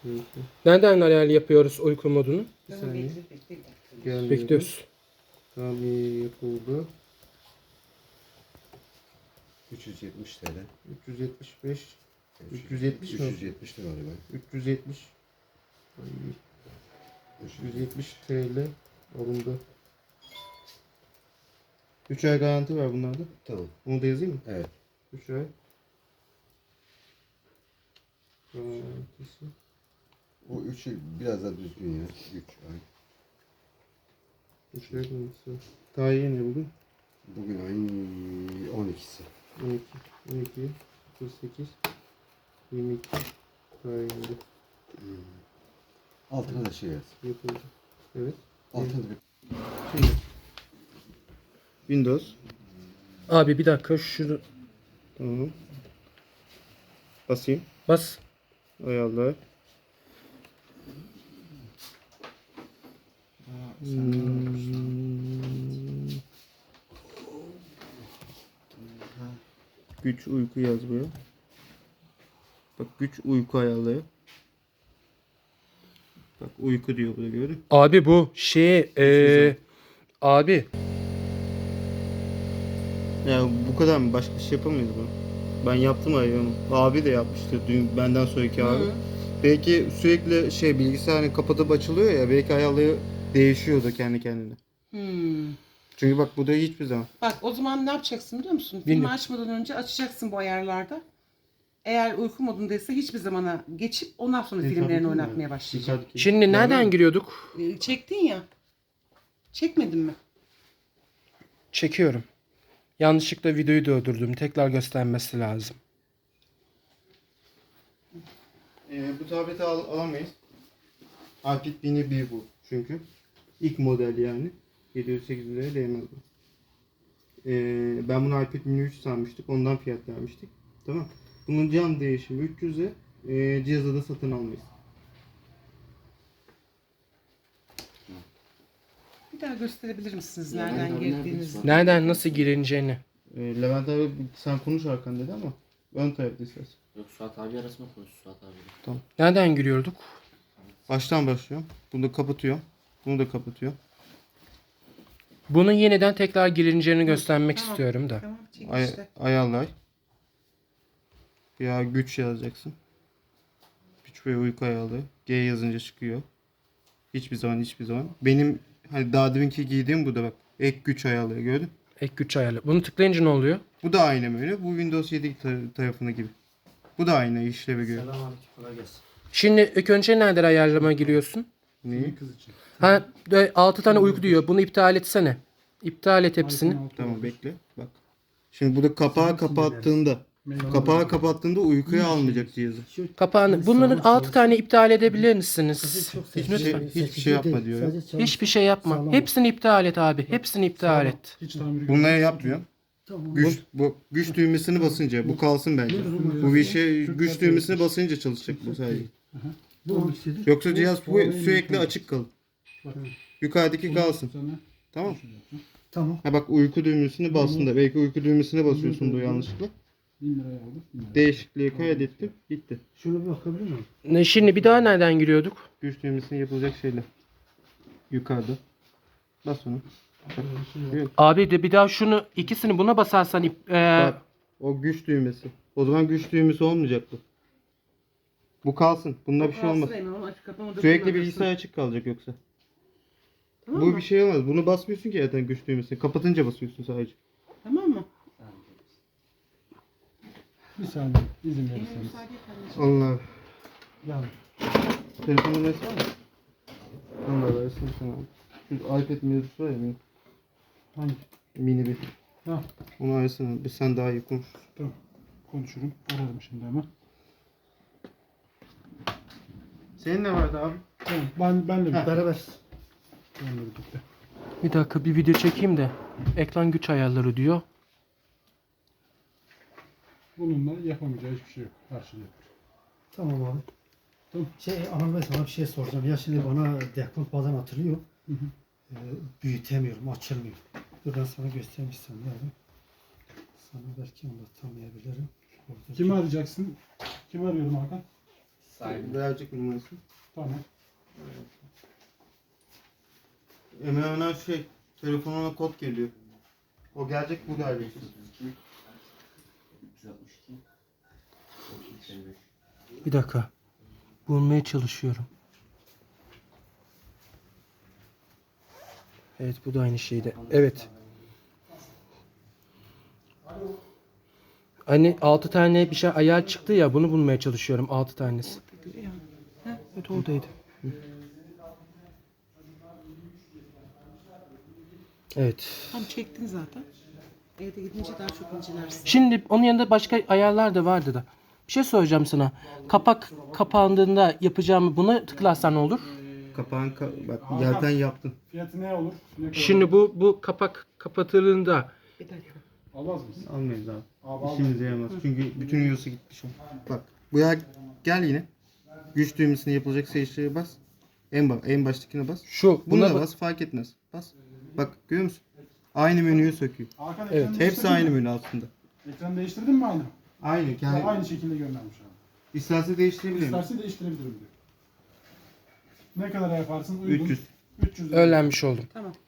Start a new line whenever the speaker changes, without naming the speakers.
Evet.
Nereden ayar yapıyoruz uyku modunu?
Bir saniye.
Bekle.
Bekliyoruz.
Tamam yapıldı.
370 TL.
375. 370 mi?
370 lira galiba.
370. Ay, 370 TL alındı. 3 ay garanti var bunlarda.
Tamam.
Onu da yazayım mı?
Evet.
3 ay. Garantisi.
O 3'ü biraz daha düzgün ya. 3 ay.
3 ay garantisi. Tarihi ne bugün?
Bugün ayın 12'si.
12, 12, 48, 22 tarihinde
Altına da şey yaz.
yapıldı. Evet.
Altına da bir...
Şimdi. Windows.
Abi bir dakika şunu
Tamam. Basayım.
bas.
Ayarlar. Güç uyku yaz buraya. Bak güç uyku ayarları. Bak uyku diyor burada gördün.
Abi bu abi
Ya bu kadar mı? Başka bir şey yapamayız bunu. Ben yaptım ayarımı. Abi de yapmıştı dün benden sonraki abi. Belki sürekli bilgisayarını kapatıp açılıyor ya, belki ayarları değişiyordu kendi kendine. Çünkü bak bu da hiçbir zaman.
Bak o zaman ne yapacaksın biliyor musun? Filmi
Bilmiyorum.
açmadan önce açacaksın bu ayarlarda. Eğer uyku modundaysa hiçbir zamana geçip ondan sonra filmlerini oynatmaya başlayacaksın.
şimdi nereden giriyorduk?
Çektin ya. Çekmedin mi?
Çekiyorum. Yanlışlıkla videoyu durdurdum. Tekrar göstermesi lazım.
Bu tableti alamayız. iPad mini 1 bu çünkü. İlk model yani. 708 liraya değmez bu. Ben bunu iPad mini 3 sanmıştık. Ondan fiyat vermiştik. Tamam. Bunun cam değişimi 300'e. Cihazı da satın almayız.
Bir daha gösterebilir misiniz nereden girdiğinizi?
Nereden nasıl girileceğini.
Levent abi sen konuş Hakan dedi ama ön tarafta istersen.
Yok Suat abi arasında konuş Suat abi.
Nereden giriyorduk?
Baştan başlıyorum. Bunu da kapatıyorum. Bunu da kapatıyorum.
Bunun yeniden tekrar girileceğini göstermek istiyorum da.
Tamam çek
Ay
işte.
ayarlay. Ya güç yazacaksın. Güç ve uyku ayarlı. G yazınca çıkıyor. Hiçbir zaman. Benim hani daha deminki giydiğim bu da bak. Ek güç ayarları gördün.
Ek güç ayarlı. Bunu tıklayınca ne oluyor?
Bu da aynı böyle. Bu Windows 7 tarafına gibi. Bu da aynı işlevi görüyor.
Selamünaleyküm, kolay gelsin.
Şimdi ilk önce nereden ayarlama giriyorsun?
Neyi?
6 tane uyku diyor. Bunu iptal etsene. İptal et hepsini.
Tamam bekle. Bak. Şimdi burada kapağı kapattığında uykuya almayacak cihazı.
Kapağını. Bunların 6 tane iptal edebilir misiniz?
Hiçbir şey yapma diyor. ya.
Hiçbir şey yapma. Hepsini iptal et abi. Hepsini iptal et.
Bunları yapmıyorum. Güç düğmesini basınca bu kalsın bence. Bu bir şey güç düğmesini basınca çalışacak bu sadece. Yoksa cihaz sürekli açık kalır. Yukarıdaki kalsın. Tamam.
Tamam.
Ha bak uyku düğmesini bastın da belki uyku düğmesine basıyorsun da yanlışlıkla.
1000 liraya aldım.
Değişikliği kaydettim. Gitti.
Şuna bir bakabilir miyim?
Şimdi bir daha nereden giriyorduk?
Güç düğmesine yapılacak şeyler. Yukarıda. Bas onu.
Abi de bir daha şunu ikisini buna basarsan
Bak, o güç düğmesi. O zaman güç düğmesi olmayacak bu. Bu kalsın. Bunda bir şey olmaz. Sürekli bilgisayar açık kalacak yoksa.
Tamam
Bu
mı?
bir şey olmaz. Bunu basmıyorsun ki zaten güç düğmesini. Kapatınca basıyorsun sadece.
Tamam mı?
Bir saniye izin verirseniz.
Allah.
Yani
Telefonun resmi var mı? Allah versin sana. Şu iPad mevzusu var ya benim.
hangi?
Mini bir.
Ha,
Onu arasana. Sen daha iyi konuş.
tamam. Konuşurum. Ararım şimdi hemen.
Senin ne vardı abi?
Tamam. Benle birlikte.
Beraber.
Benle birlikte.
bir dakika bir video çekeyim de. Ekran güç ayarları diyor.
Bununla yapamayacağı hiçbir şey yok. Her şey yapar.
Tamam abi.
Tamam.
Anıl Bey sana bir şey soracağım. Ya şimdi bana dekont bazen atılıyor.
Hı hı.
Büyütemiyorum, açılmıyor. Dur ben sana göstermişsem yani. Sana belki anlatamayabilirim. Orada
Kimi arayacaksın? Kimi arıyorum Hakan?
Verecek numarası.
Tamam.
Hemen telefonuna kod geliyor. O gelecek bu galiba.
362.
Bir dakika. Bulmaya çalışıyorum. Evet bu da aynı şeyde. Evet. Hani 6 tane bir şey ayar çıktı ya bunu bulmaya çalışıyorum 6 tanesi. Evet oradaydı. Hı. Evet.
Tam çektin zaten. Evde gidince daha çok incelersin.
Şimdi onun yanında başka ayarlar da vardı da. Bir şey soracağım sana. Kapak kapandığında yapacağım buna tıklarsan ne olur?
Kapağın bak yerden yaptın.
Fiyatı ne olur? Ne kadar
Şimdi
olur?
bu kapak kapatıldığında
Bir dakika.
Almaz mısın?
Almayız abi.
Abi
İşimize yaramaz. Çünkü bütün yiyorsa gitmiş o. Bak buraya gel yine. Güç düğmesine yapılacak seçiciye bas. En baştakine bas.
şu
Bunu
buna
da bas fark etmez. Bas. Bak görüyor musun? Aynı menüyü söküyor.
Hakan
Evet,
ekranı
Hepsi
değiştirdin
aynı
mi?
menü aslında.
Ekranı değiştirdin mi aynı?
Aynı.
Yani aynı şekilde göndermiş abi.
İsterse değiştirebilirim.
İsterse değiştirebilirim diyor. Ne kadar yaparsın? Uygun.
300.
300 lira.
öğrenmiş oldum.
Tamam.